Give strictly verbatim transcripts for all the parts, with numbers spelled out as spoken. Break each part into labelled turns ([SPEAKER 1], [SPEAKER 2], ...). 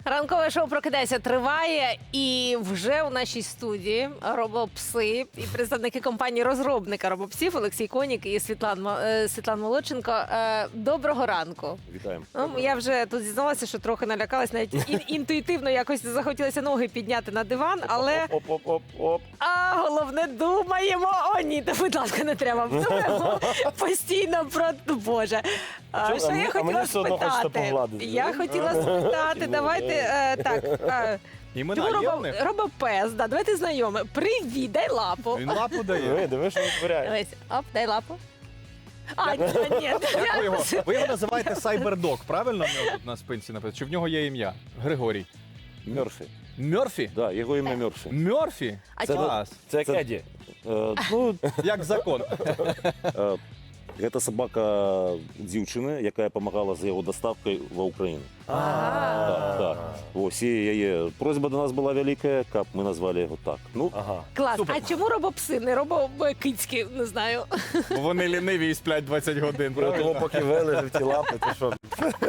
[SPEAKER 1] Ранкове шоу «Прокидайся» триває, і вже у нашій студії робопси і представники компанії-розробника робопсів Олексій Конік і Світлан, Мо- е, Світлан Молодченко. Е, Доброго ранку.
[SPEAKER 2] Вітаємо.
[SPEAKER 1] Ну, я вже тут зізналася, що трохи налякалась, навіть ін- інтуїтивно якось захотілося ноги підняти на диван, але
[SPEAKER 2] Оп-оп-оп-оп.
[SPEAKER 1] а головне думаємо. О, ні, та, будь ласка, не треба. Думаємо постійно про Боже. А,
[SPEAKER 2] Чому?
[SPEAKER 1] що
[SPEAKER 2] А
[SPEAKER 1] я
[SPEAKER 2] мені- а
[SPEAKER 1] хотіла
[SPEAKER 2] мені все одно хочеться
[SPEAKER 1] спитати?
[SPEAKER 2] погладити.
[SPEAKER 1] Я хотіла спитати, давайте е, так. е,
[SPEAKER 3] Імена
[SPEAKER 1] Чому
[SPEAKER 3] є в
[SPEAKER 1] робо,
[SPEAKER 3] них?
[SPEAKER 1] робопес, да, давайте знайомі. Привіт, дай лапу.
[SPEAKER 3] Він лапу дає.
[SPEAKER 2] Диви, диви, що витворяє.
[SPEAKER 1] Дивись, оп, дай лапу. А, ні, ні.
[SPEAKER 3] Як ви його? Ви його називаєте Сайбердог, правильно в нього тут на спинці написано? Чи в нього є ім'я? Григорій.
[SPEAKER 2] Мерфі.
[SPEAKER 3] Мерфі?
[SPEAKER 2] Да, його ім'я Мерфі.
[SPEAKER 3] Мерфі?
[SPEAKER 1] А
[SPEAKER 2] Це-
[SPEAKER 1] чому?
[SPEAKER 3] Клас.
[SPEAKER 2] Це
[SPEAKER 4] Це Еді.
[SPEAKER 2] Е, ну,
[SPEAKER 3] Як закон.
[SPEAKER 2] е, Гэта собака дівчини, яка допомагала з його доставкою в Україну. Так, так. Ось і яє просьба до нас була велика, як ми назвали його так. Ну,
[SPEAKER 4] Ага.
[SPEAKER 1] Клас.
[SPEAKER 3] Супер.
[SPEAKER 1] А чому робопси, не робокицькі, не знаю.
[SPEAKER 3] Бо вони ліниві і сплять двадцять годин.
[SPEAKER 4] Про того,
[SPEAKER 3] правильно?
[SPEAKER 4] поки вилежив ті лапи, то що?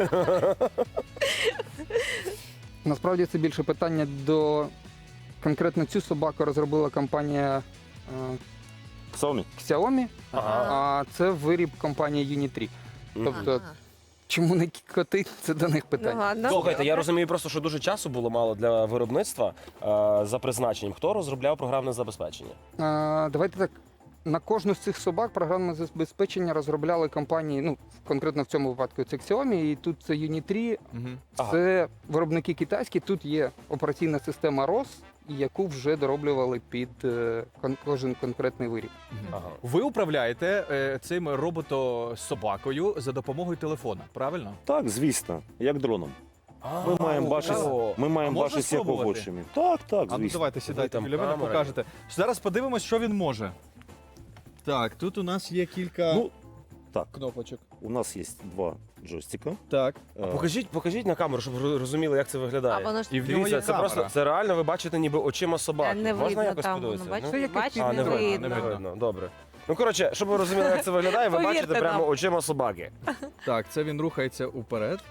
[SPEAKER 5] Насправді це більше питання до конкретно цю собаку розробила компанія е,
[SPEAKER 2] Xiaomi.
[SPEAKER 5] Xiaomi,
[SPEAKER 4] Ага.
[SPEAKER 5] а це виріб компанії Unitree. Тобто,
[SPEAKER 1] Ага.
[SPEAKER 5] чому не коти, це до них
[SPEAKER 1] Ну,
[SPEAKER 5] питання.
[SPEAKER 1] ладно.
[SPEAKER 4] Слухайте, я розумію просто, що дуже часу було мало для виробництва е, за призначенням. Хто розробляв програмне забезпечення?
[SPEAKER 5] Е, Давайте так. На кожну з цих собак програмне забезпечення розробляли компанії, ну, конкретно в цьому випадку це Xiaomi, і тут це Unitree,
[SPEAKER 3] Мгм.
[SPEAKER 4] Ага.
[SPEAKER 5] це виробники китайські, тут є операційна система рос, яку вже дороблювали під е, кон- кожен конкретний виріб.
[SPEAKER 4] Ага.
[SPEAKER 3] Ви управляєте е, цим робото-собакою за допомогою телефона, правильно?
[SPEAKER 2] Так, звісно, як дроном. Ми маємо бачити,
[SPEAKER 4] о,
[SPEAKER 2] ми
[SPEAKER 3] А
[SPEAKER 2] маємо
[SPEAKER 3] можна
[SPEAKER 2] бачити, як
[SPEAKER 3] спробувати?
[SPEAKER 2] хочемо. Так, так,
[SPEAKER 3] А ну
[SPEAKER 2] звісно.
[SPEAKER 3] давайте сідайте
[SPEAKER 4] там
[SPEAKER 3] біля мене,
[SPEAKER 4] камера
[SPEAKER 3] покажете. Зараз подивимось, що він може. Так, тут у нас є кілька
[SPEAKER 2] Ну, так,
[SPEAKER 3] кнопочок.
[SPEAKER 2] у нас є два джойстика.
[SPEAKER 3] Так.
[SPEAKER 2] Е,
[SPEAKER 4] Покажіть, покажіть на камеру, щоб ви розуміли, як це
[SPEAKER 1] А
[SPEAKER 4] виглядає.
[SPEAKER 1] воно ж
[SPEAKER 3] І в нього
[SPEAKER 4] Дивіться,
[SPEAKER 3] є
[SPEAKER 4] це
[SPEAKER 3] камера.
[SPEAKER 4] просто це реально ви бачите ніби очима собаки.
[SPEAKER 1] не
[SPEAKER 4] Можна
[SPEAKER 1] видно
[SPEAKER 4] якось
[SPEAKER 1] там,
[SPEAKER 4] подивитися?
[SPEAKER 1] воно, бачите?
[SPEAKER 5] Це як
[SPEAKER 1] Бачите,
[SPEAKER 4] А,
[SPEAKER 1] не
[SPEAKER 4] не видно,
[SPEAKER 1] видно.
[SPEAKER 4] не видно. Добре. Ну, коротше, щоб ви розуміли, як це виглядає, ви
[SPEAKER 1] Повірте
[SPEAKER 4] бачите прямо
[SPEAKER 1] нам.
[SPEAKER 4] очима собаки.
[SPEAKER 3] Так, це він рухається уперед.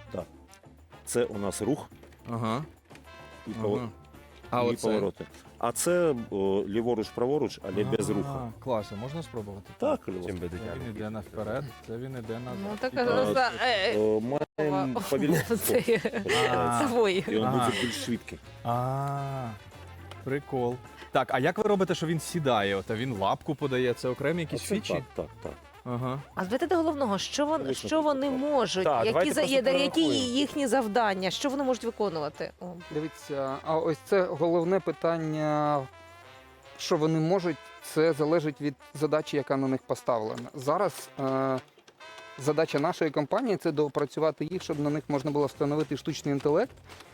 [SPEAKER 2] Це у нас рух
[SPEAKER 3] Ага.
[SPEAKER 2] і,
[SPEAKER 3] ага.
[SPEAKER 2] повер-
[SPEAKER 3] А
[SPEAKER 2] і
[SPEAKER 3] оце?
[SPEAKER 2] повороти. А це о, ліворуч-праворуч, але без
[SPEAKER 3] А,
[SPEAKER 2] руху.
[SPEAKER 3] Клас, а можна спробувати?
[SPEAKER 2] Так,
[SPEAKER 4] Чим
[SPEAKER 2] Львов.
[SPEAKER 4] би
[SPEAKER 3] Це
[SPEAKER 4] дитя?
[SPEAKER 3] він іде наперед, це він іде назад.
[SPEAKER 1] Ну, так,
[SPEAKER 3] І так.
[SPEAKER 1] ну, за- е, е,
[SPEAKER 2] О, Маємо повільніше.
[SPEAKER 1] Це
[SPEAKER 3] А.
[SPEAKER 1] свої.
[SPEAKER 2] І він
[SPEAKER 3] Ага.
[SPEAKER 2] буде більш швидкий.
[SPEAKER 3] А, прикол. Так, а як ви робите, що він сідає? От, а він лапку подає, це окремі якісь
[SPEAKER 2] Оце
[SPEAKER 3] фічі?
[SPEAKER 2] Так, так, так.
[SPEAKER 3] Ага.
[SPEAKER 1] А звідти до головного, що вони,
[SPEAKER 2] Звісно,
[SPEAKER 1] що вони
[SPEAKER 2] так.
[SPEAKER 1] можуть,
[SPEAKER 4] Так,
[SPEAKER 1] які,
[SPEAKER 4] давайте
[SPEAKER 1] за,
[SPEAKER 4] просто
[SPEAKER 1] є- які
[SPEAKER 4] перерахуємо.
[SPEAKER 1] їхні завдання, що вони можуть виконувати? О.
[SPEAKER 5] Дивіться, а ось це головне питання, що вони можуть, це залежить від задачі, яка на них поставлена. Зараз е, задача нашої компанії це доопрацювати їх, щоб на них можна було встановити штучний інтелект,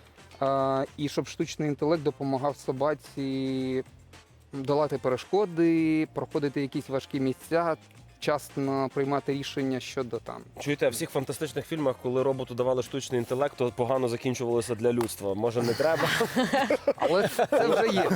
[SPEAKER 5] е, і щоб штучний інтелект допомагав собаці долати перешкоди, проходити якісь важкі місця, вчасно приймати рішення щодо там.
[SPEAKER 4] Чуєте, в всіх фантастичних фільмах, коли роботу давали штучний інтелект, то погано закінчувалося для людства. Може, не треба?
[SPEAKER 5] Але це вже є.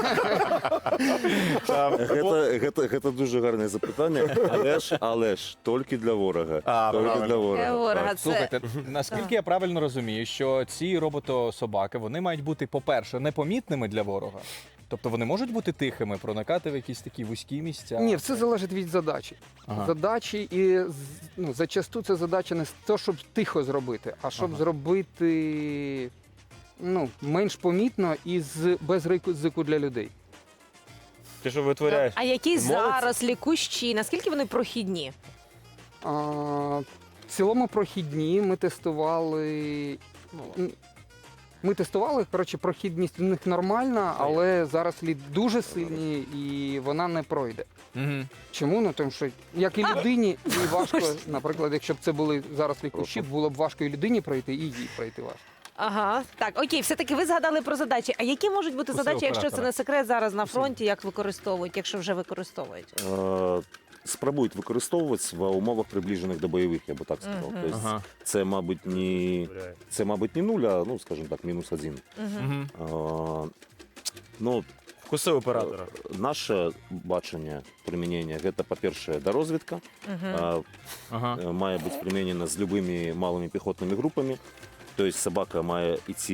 [SPEAKER 2] Гэта, гэта, гэта дуже гарне запитання, але ж, але ж, тільки для ворога.
[SPEAKER 4] А,
[SPEAKER 2] тільки
[SPEAKER 4] правильно.
[SPEAKER 2] для ворога.
[SPEAKER 1] Для ворога.
[SPEAKER 2] Так.
[SPEAKER 1] Це-
[SPEAKER 3] Слухайте, наскільки я правильно розумію, що ці робото-собаки, вони мають бути, по-перше, непомітними для ворога. Тобто вони можуть бути тихими, проникати в якісь такі вузькі місця.
[SPEAKER 5] Ні, все залежить від задачі.
[SPEAKER 3] Ага.
[SPEAKER 5] Задачі і з- ну, зачасту це задача не з того, щоб тихо зробити, а щоб
[SPEAKER 3] Ага.
[SPEAKER 5] зробити ну, менш помітно і з без ризику для людей.
[SPEAKER 4] Ти що витворяєш?
[SPEAKER 1] А які
[SPEAKER 4] Молодці.
[SPEAKER 1] зарослі, кущі, наскільки вони прохідні?
[SPEAKER 5] А, в цілому прохідні ми тестували. м, Ми тестували, коротше, прохідність в них нормальна, але зарослі дуже сильні і вона не пройде.
[SPEAKER 3] Угу.
[SPEAKER 5] Чому? Ну тому що як і людині, і важко, наприклад, якщо б це були зарослі кущів, було б важко і людині пройти, і їй пройти важко.
[SPEAKER 1] Ага, так, окей, все-таки ви згадали про задачі. А які можуть бути
[SPEAKER 3] Усе
[SPEAKER 1] задачі, якщо це
[SPEAKER 3] оператора.
[SPEAKER 1] не секрет зараз на фронті, як використовують, якщо вже використовують?
[SPEAKER 2] Е, Спробують використовуватися в умовах приближених до бойових, я би так сказав.
[SPEAKER 1] Мгм.
[SPEAKER 2] Тобто
[SPEAKER 3] Ага.
[SPEAKER 2] це, мабуть, не, це, мабуть, не нуль, а, ну, скажімо так, мінус один.
[SPEAKER 1] Угу.
[SPEAKER 3] Угу.
[SPEAKER 2] Е, Ну,
[SPEAKER 4] Вкуси оператора.
[SPEAKER 2] наше бачення примінення – це, по-перше, дорозвідка. Е,
[SPEAKER 3] Ага.
[SPEAKER 2] е, Має бути примінена з любими малими піхотними групами. Тобто собака має йти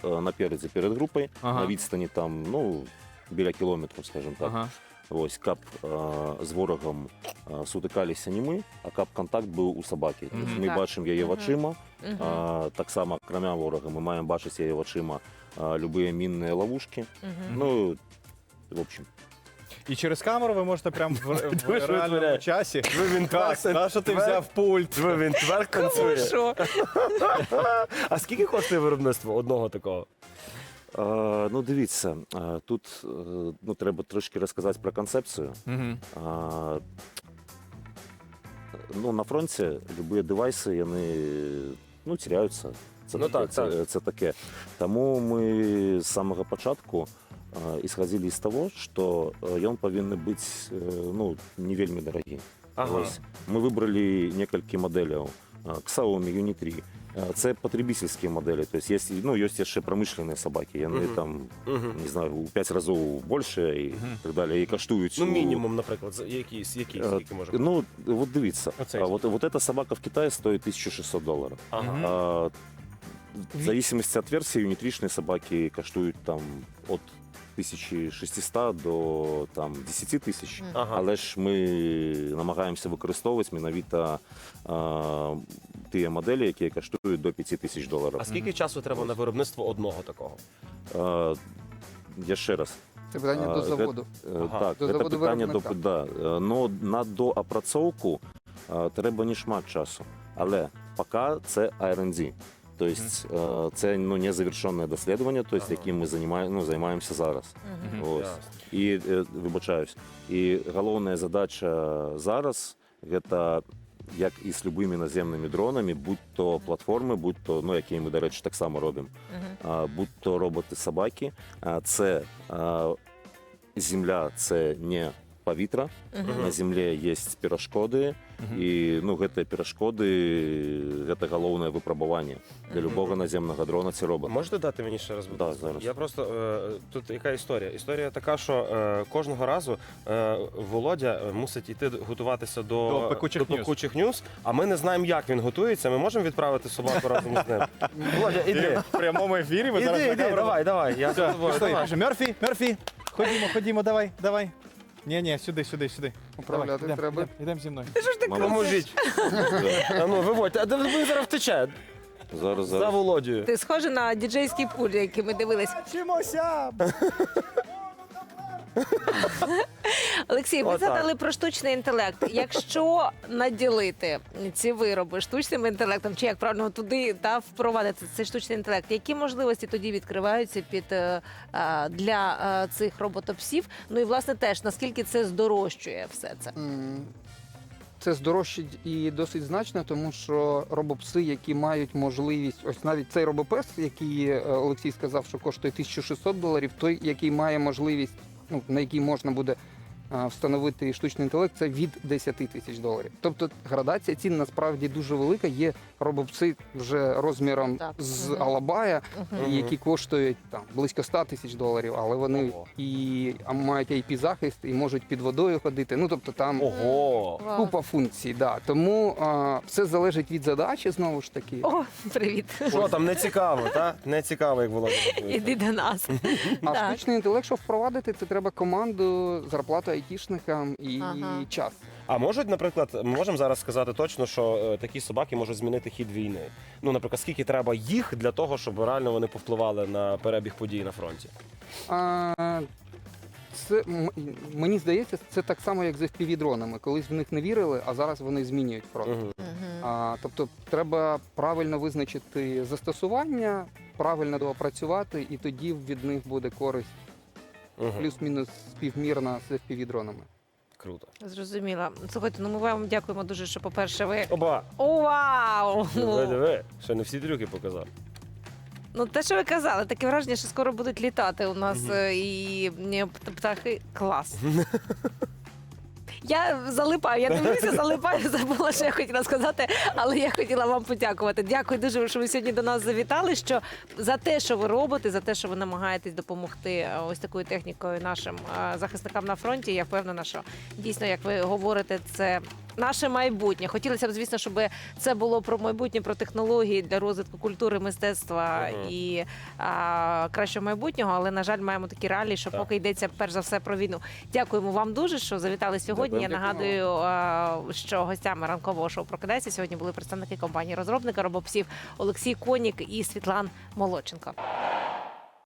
[SPEAKER 2] е, напереді перед групою,
[SPEAKER 3] Ага.
[SPEAKER 2] на відстані там, ну, біля кілометру, скажімо так.
[SPEAKER 3] Ага.
[SPEAKER 2] Ось кап е, з ворогом е, сутикалися не ми, а кап-контакт був у собаки.
[SPEAKER 3] Мгм.
[SPEAKER 2] Тобто ми
[SPEAKER 1] Так.
[SPEAKER 2] бачимо її
[SPEAKER 1] Мгм.
[SPEAKER 2] очима,
[SPEAKER 1] Мгм.
[SPEAKER 2] а, так само, кроме ворога, ми маємо бачити її очима а, любі мінні ловушки.
[SPEAKER 1] Мгм.
[SPEAKER 2] Ну, в общем.
[SPEAKER 3] І через камеру ви можете прямо в, в
[SPEAKER 4] Дуже
[SPEAKER 3] реальному
[SPEAKER 4] витворяє.
[SPEAKER 3] часі.
[SPEAKER 4] Ви він
[SPEAKER 3] Так, на що ти взяв пульт?
[SPEAKER 4] Ви він тверд танцює.
[SPEAKER 1] Що?
[SPEAKER 4] А скільки коштує виробництво одного такого?
[SPEAKER 2] А, ну, дивіться, а, тут е, ну, треба трошки розказати про концепцію.
[SPEAKER 3] Угу.
[SPEAKER 2] А, ну, на фронті любі девайси, вони ну, теряються. Це,
[SPEAKER 4] Ну,
[SPEAKER 2] таке,
[SPEAKER 4] так,
[SPEAKER 2] це,
[SPEAKER 4] так.
[SPEAKER 2] це таке. Тому ми з самого початку а, исходили з того, що е, він повинен бути е, ну, не вельми дорогий.
[SPEAKER 4] Ага.
[SPEAKER 2] Ось. Ми вибрали кілька моделей. а, Xiaomi Uni три. А, Це потребительські моделі. Тобто є, ну, є ще промишлені собаки. Вони
[SPEAKER 4] Мгм.
[SPEAKER 2] там,
[SPEAKER 4] Мгм.
[SPEAKER 2] не знаю, у п'ять разів більше і
[SPEAKER 3] Мгм.
[SPEAKER 2] так далі. І коштують.
[SPEAKER 4] Ну,
[SPEAKER 2] у-
[SPEAKER 4] мінімум, наприклад, за- якийсь, якийсь,
[SPEAKER 2] Е,
[SPEAKER 4] скільки може бути?
[SPEAKER 2] Ну, вот дивіться.
[SPEAKER 3] Оцей.
[SPEAKER 2] А, вот, вот эта собака в Китае стоит тисяча шістсот долларов.
[SPEAKER 4] Ага.
[SPEAKER 3] Мгм.
[SPEAKER 2] А, в зависимости от версии, юнитричные собаки коштують там от тисячі шестисот до там, десять тисяч.
[SPEAKER 1] Мгм.
[SPEAKER 4] Ага.
[SPEAKER 2] Але ж ми намагаємося використовувати міновито а, ті моделі, які коштують до п'ять тисяч доларів.
[SPEAKER 4] А скільки часу треба на виробництво одного такого?
[SPEAKER 2] А, я ще раз.
[SPEAKER 5] Це питання
[SPEAKER 2] А,
[SPEAKER 5] до
[SPEAKER 2] ге-
[SPEAKER 5] заводу.
[SPEAKER 2] Е,
[SPEAKER 4] Ага.
[SPEAKER 2] Так,
[SPEAKER 5] До
[SPEAKER 2] це
[SPEAKER 5] заводу
[SPEAKER 2] питання до
[SPEAKER 5] виробника.
[SPEAKER 2] да. Е, но на доопрацовку е, треба не шмат часу. Але поки це ар енд ді. Тобто е, це ну, незавершенне дослідження, тобто,
[SPEAKER 4] Ага.
[SPEAKER 2] яким ми займає- ну, займаємося зараз.
[SPEAKER 1] Мгм.
[SPEAKER 2] Ось.
[SPEAKER 4] Ясно.
[SPEAKER 2] І е, вибачаюсь. І головна задача зараз це як і з любими наземними дронами, будь то платформи, будь то, ну, які ми, до речі, так само робимо,
[SPEAKER 1] Мгм.
[SPEAKER 2] а, будь то роботи-собаки, а, це а, земля, це не повітря.
[SPEAKER 1] Мгм.
[SPEAKER 2] На землі є перешкоди, і ну, ці перешкоди це головне випробування для
[SPEAKER 1] Мгм.
[SPEAKER 2] любого наземного дрона. Це робот.
[SPEAKER 4] Можете дати мені ще раз? будь
[SPEAKER 2] Да,
[SPEAKER 4] ласка?
[SPEAKER 2] зараз.
[SPEAKER 4] Я просто е, тут яка історія? Історія така, що е, кожного разу е, Володя е, мусить йти готуватися до,
[SPEAKER 3] До пекучих
[SPEAKER 4] до
[SPEAKER 3] ньюз.
[SPEAKER 4] пекучих ньюз, а ми не знаємо, як він готується. Ми можемо відправити собаку разом з ним. Володя, іди.
[SPEAKER 3] В прямому ефірі ви зараз
[SPEAKER 4] Іди,
[SPEAKER 3] на
[SPEAKER 4] іди,
[SPEAKER 3] камеру.
[SPEAKER 4] давай, давай. Я з
[SPEAKER 3] Все,
[SPEAKER 4] тобою,
[SPEAKER 3] пішли.
[SPEAKER 4] давай.
[SPEAKER 3] Каже, Мерфі, Мерфі, ходімо, ходімо, давай, давай. Ні, ні, сюди, сюди, сюди.
[SPEAKER 5] Управляти
[SPEAKER 3] Давай,
[SPEAKER 5] треба.
[SPEAKER 3] Йдемо, йдемо зі мною.
[SPEAKER 2] Мама,
[SPEAKER 4] Поможіть.
[SPEAKER 2] да.
[SPEAKER 4] А ну, виводьте. А де він зараз втече?
[SPEAKER 2] Зараз,
[SPEAKER 4] За
[SPEAKER 2] зараз.
[SPEAKER 4] Володію.
[SPEAKER 1] Ти схожий на діджейський пуль, який ми дивились.
[SPEAKER 3] Вчимося!
[SPEAKER 1] Олексій, ви
[SPEAKER 4] Отак.
[SPEAKER 1] згадали про штучний інтелект. Якщо наділити ці вироби штучним інтелектом, чи як правильно туди та впровадити цей штучний інтелект, які можливості тоді відкриваються під е, е, для е, цих роботопсів? Ну і власне теж наскільки це здорожчує все це?
[SPEAKER 5] М, Це здорожчить і досить значно, тому що робопси, які мають можливість, ось навіть цей робопес, який е, Олексій сказав, що коштує тисяча шістсот доларів, той, який має можливість, ну, на який можна буде е, встановити штучний інтелект, це від десять тисяч доларів. Тобто градація цін насправді дуже велика. Є робопси вже розміром
[SPEAKER 1] Так.
[SPEAKER 5] з
[SPEAKER 1] Мгм.
[SPEAKER 5] Алабая,
[SPEAKER 1] Мгм.
[SPEAKER 5] які коштують там близько ста тисяч доларів, але вони
[SPEAKER 4] Ого.
[SPEAKER 5] і а, мають ай пі захист, і можуть під водою ходити. Ну тобто там
[SPEAKER 4] Ого.
[SPEAKER 1] Вау.
[SPEAKER 5] купа функцій. Да. Тому а, все залежить від задачі знову ж таки.
[SPEAKER 1] О, привіт.
[SPEAKER 4] Що там, не цікаво, так? Не цікаво, як Володя готується.
[SPEAKER 1] Іди до нас.
[SPEAKER 5] А
[SPEAKER 1] Так.
[SPEAKER 5] штучний інтелект, щоб впровадити, це треба команду, зарплату айтішникам і
[SPEAKER 1] Ага.
[SPEAKER 5] час.
[SPEAKER 4] А можуть, наприклад, ми можемо зараз сказати точно, що е, такі собаки можуть змінити хід війни. Ну, наприклад, скільки треба їх для того, щоб реально вони повпливали на перебіг подій на фронті?
[SPEAKER 5] А, це м- мені здається, це так само, як з еф пі ві-дронами. Колись в них не вірили, а зараз вони змінюють фронт.
[SPEAKER 4] Мгм.
[SPEAKER 1] Мгм.
[SPEAKER 5] А, тобто треба правильно визначити застосування, правильно доопрацювати, і тоді від них буде користь
[SPEAKER 4] Мгм.
[SPEAKER 5] плюс-мінус співмірна з еф пі ві-дронами.
[SPEAKER 4] Круто.
[SPEAKER 1] Зрозуміла. Слухайте, ну ми вам дякуємо дуже, що, по-перше, ви.
[SPEAKER 4] Оба!
[SPEAKER 1] О, вау!
[SPEAKER 4] Диви, диви. Ще не всі трюки показав.
[SPEAKER 1] Ну, те, що ви казали, таке враження, що скоро будуть літати у нас
[SPEAKER 4] Мгм.
[SPEAKER 1] е, і е, п- птахи. Клас. Я залипаю, я дивлюся, залипаю, забула, що я хотіла сказати, але я хотіла вам подякувати. Дякую дуже, що ви сьогодні до нас завітали. Що за те, що ви робите, за те, що ви намагаєтесь допомогти е, ось такою технікою нашим е, захисникам на фронті. Я впевнена, що дійсно, як ви говорите, це наше майбутнє. Хотілося б, звісно, щоб це було про майбутнє, про технології для розвитку культури, мистецтва
[SPEAKER 4] Мгм.
[SPEAKER 1] і а, кращого майбутнього. Але, на жаль, маємо такі реалії, що
[SPEAKER 4] Так.
[SPEAKER 1] поки йдеться перш за все про війну. Дякуємо вам дуже, що завітали сьогодні. Я
[SPEAKER 2] Дякую.
[SPEAKER 1] нагадую, а, що гостями ранкового шоу «Прокидайся» сьогодні були представники компанії розробника робопсів Олексій Конік і Світлан Молодченко.